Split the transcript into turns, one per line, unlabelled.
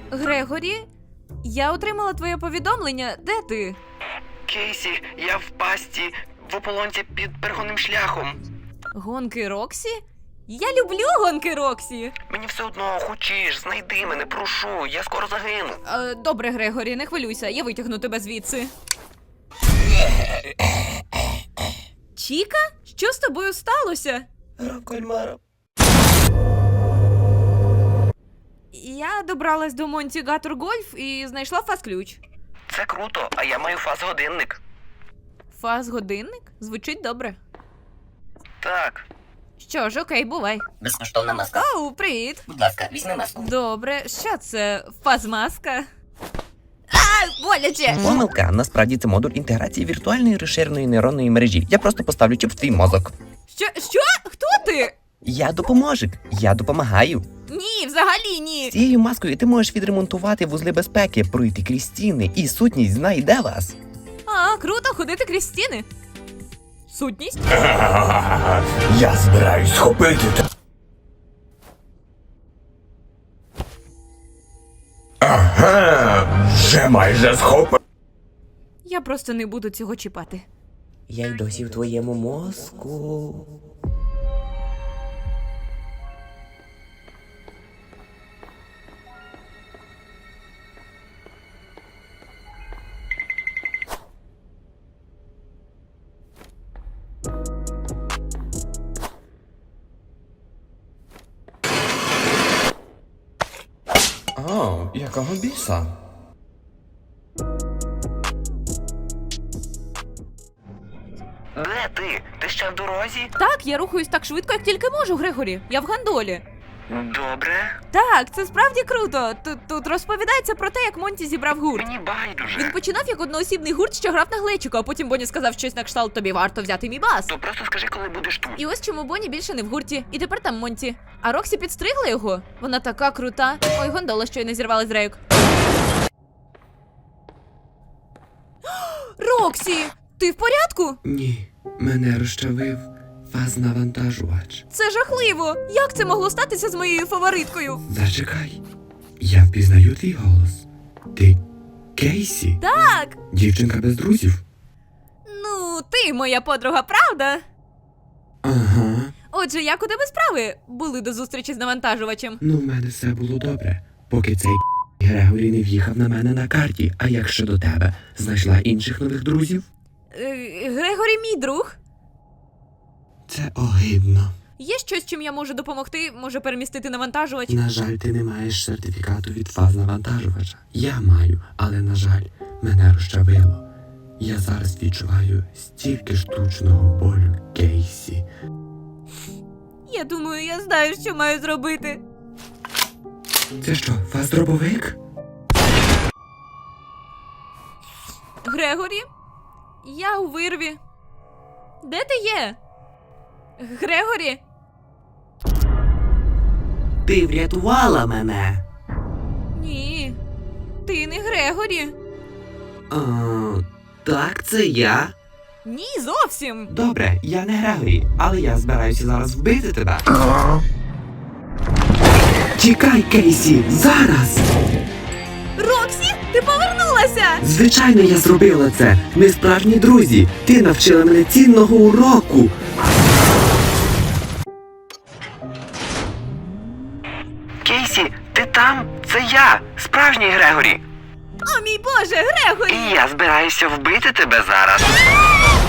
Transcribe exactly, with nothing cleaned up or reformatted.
Грегорі, я отримала твоє повідомлення. Де ти?
Кейсі, я в пастці, в ополонці під перегонним шляхом.
Гонки Роксі? Я люблю гонки Роксі.
Мені все одно, хочеш, знайди мене, прошу, я скоро загину.
Е, добре, Грегорі, не хвилюйся, я витягну тебе звідси. Чіка? Що з тобою сталося?
Гра в кальмара.
Я добралась до Монті Гатор Гольф і знайшла фаз-ключ.
Це круто, а я маю фаз-годинник.
Фаз-годинник? Звучить добре.
Так.
Що ж, окей, бувай.
Безкоштовна маска.
Оу, привіт.
Будь ласка, візьми маску.
Добре, що це? Фаз-маска? А, боляче!
Помилка. Насправді це модуль інтеграції віртуальної розширеної нейронної мережі. Я просто поставлю чіп в твій мозок.
Що? Що? Хто ти?
Я допоможик. Я допомагаю.
Ні, взагалі ні.
Цією маскою ти можеш відремонтувати вузли безпеки, пройти крізь стіни, і сутність знайде вас.
А, круто ходити крізь стіни. Сутність?
Я збираюсь схопити те. Ага, вже майже схопив.
Я просто не буду цього чіпати.
Я й досі в твоєму мозку.
О, якого біса?
Де ти? Ти ще в дорозі?
Так, я рухаюсь так швидко, як тільки можу, Грегорі. Я в гандолі.
Добре.
Так, це справді круто. Тут, тут розповідається про те, як Монті зібрав гурт.
Мені байдуже.
Він починав як одноосібний гурт, що грав на глечику, а потім Бонні сказав щось на кшталт: тобі варто взяти мій бас.
То просто скажи, коли будеш тут.
І ось чому Бонні більше не в гурті. І тепер там Монті. А Роксі підстригла його. Вона така крута. Ой, гондола щойно зірвала з рейок. Роксі! Ти в порядку?
Ні, мене розчавив фаз-навантажувач.
Це жахливо! Як це могло статися з моєю фавориткою?
Зачекай, я впізнаю твій голос. Ти Кейсі?
Так!
Дівчинка без друзів?
Ну, ти моя подруга, правда?
Ага.
Отже, як у тебе справи були до зустрічі з навантажувачем?
Ну, в мене все було добре, поки цей Грегорі не в'їхав на мене на карті. А як щодо тебе? Знайшла інших нових друзів?
Е, Грегорі мій друг.
Це огидно.
Є щось, чим я можу допомогти? Може перемістити навантажувач?
На жаль, ти не маєш сертифікату від фаз-навантажувача. Я маю, але, на жаль, мене розчавило. Я зараз відчуваю стільки штучного болю, Кейсі.
Я думаю, я знаю, що маю зробити.
Це що, фаз-дробовик?
Грегорі? Я у вирві. Де ти є? Грегорі?
Ти врятувала мене.
Ні. Ти не Грегорі.
А, так, це я.
Ні, зовсім.
Добре, я не Грегорі, але я збираюся зараз вбити тебе. Тікай, Кейсі, зараз!
Роксі, ти повернулася!
Звичайно, я зробила це. Ми справжні друзі. Ти навчила мене цінного уроку.
Кейсі, ти там? Це я, справжній Грегорі.
О, мій Боже, Грегорі!
І я збираюся вбити тебе зараз.